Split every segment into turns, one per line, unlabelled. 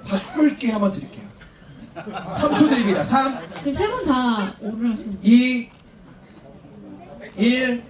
바꿀게 한번 드릴게요. 3초 드립니다. 3,
지금 세 분 다 오를 하시는
2, 1.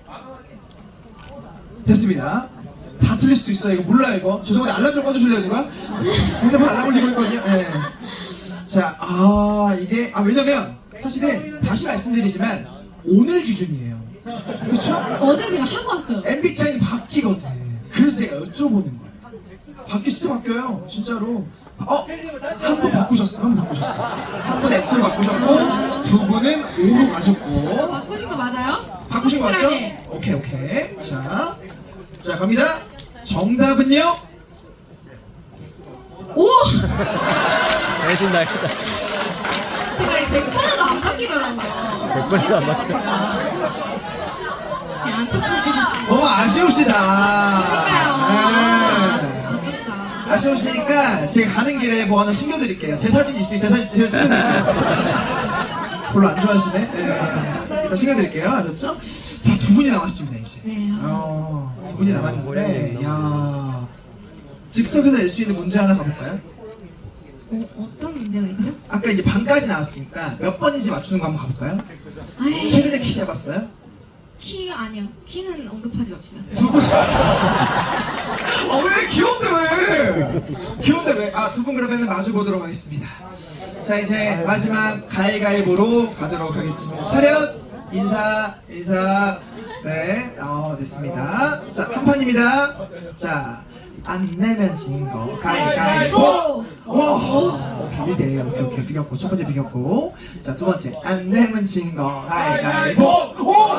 됐습니다. 다 틀릴 수도 있어요. 이거 몰라요, 이거. 죄송한데 알람 좀 꺼주실래요, 누가? 핸드폰 알람 울리고 있거든요. 예. 자, 이게, 왜냐면, 사실은, 다시 말씀드리지만, 오늘 기준이에요. 그쵸?
어제 제가 하고 왔어요.
MBTI는 바뀌거든. 그래서 제가 여쭤보는 거예요. 진짜 바뀌어요. 진짜로. 한 분 바꾸셨어. 한 분 X로 바꾸셨고, 두 분은 O로 가셨고.
바꾸신 거 맞아요?
바꾸신 거 맞죠?
확실하게.
오케이. 자, 갑니다. 정답은요?
오!
대신 날이다.
제가 이 100번에도 안 바뀌더라고요.
100번에도 안 바뀌어.
그냥 안타깝게 됐어요.
너무 아쉬우시다.
아깝다.
아쉬우시니까 제가 가는 길에 뭐 하나 챙겨드릴게요. 제 사진 있으니 제 사진 챙겨드릴게요. 별로 안 좋아하시네. 일단 챙겨드릴게요. 아셨죠? 자, 두 분이 남았습니다 이제.
네.
두 분이 남았는데, 야, 즉석에서 낼 수 있는 문제 하나 가볼까요?
어떤 문제가 있죠?
아까 이제 반까지 나왔으니까 몇 번인지 맞추는 거 한번 가볼까요?
아이,
최근에 키 잡았어요?
키 아니요. 키는 언급하지 맙시다.
왜 귀여운데 왜? 귀여운데 왜? 두 분 그러면 마주 보도록 하겠습니다. 자, 이제 마지막 가위가위보로 가도록 하겠습니다. 차렷 인사. 네, 됐습니다. 자, 한 판입니다. 자, 안 내면 진 거 가위가위보. 오케이, 1대1. 오케이, 비겼고. 첫 번째 비겼고. 자, 두 번째 안 내면 진 거 가위가위보.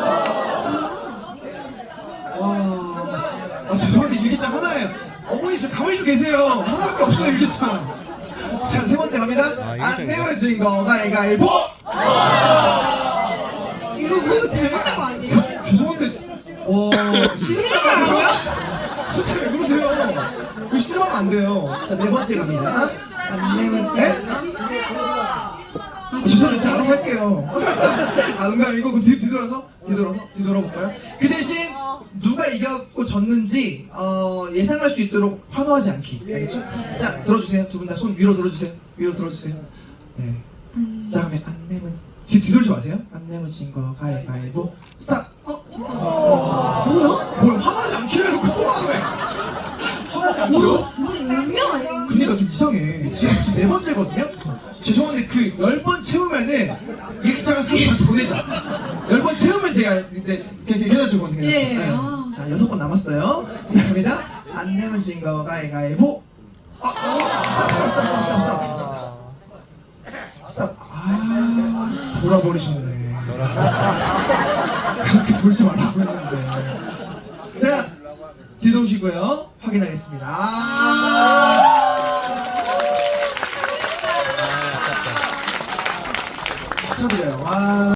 죄송한데 일기장 하나예요. 어머니 좀 가만히 좀 계세요. 하나밖에 없어요, 일기장. 자, 세 번째 갑니다. 안 내면 진 거 가위가위보.
이거 뭐 잘못한 거 아니에요?
죄송한데, 실수하고요? 진짜 왜 그러세요? 이거 실수하면 안 돼요. 자, 네 번째 갑니다. 안 내면 진 죄송해요. 제가 알아서 할게요. 농담이고, 그럼 뒤돌아볼까요? 그 대신, 누가 이겼고 졌는지, 예상할 수 있도록 환호하지 않기. 알겠죠? 자, 들어주세요. 두 분 다 손 위로 들어주세요. 네. 자, 그러면 안 내면, 뒤돌지 마세요. 안 내면 진 거, 가위바위보, 스탑!
잠깐만.
뭐야, 화나지 않기로 해놓고 또 하네! 화나지 않기로?
와, 진짜 운명 아니에요?
그니까 좀 이상해. 지금 네 번째거든요? 죄송한데 그 10번 채우면은 일기장을 사진한테 보내자. 10번 채우면 제가 괜찮으시거든요.
예.
자, 6번 남았어요. 자, 갑니다. 안 내면 진 거 가위가위보. 스탑. 돌아버리셨네. 그렇게 돌지 말라고 했는데. 자, 뒤도시고요. 확인하겠습니다. 축하드려요.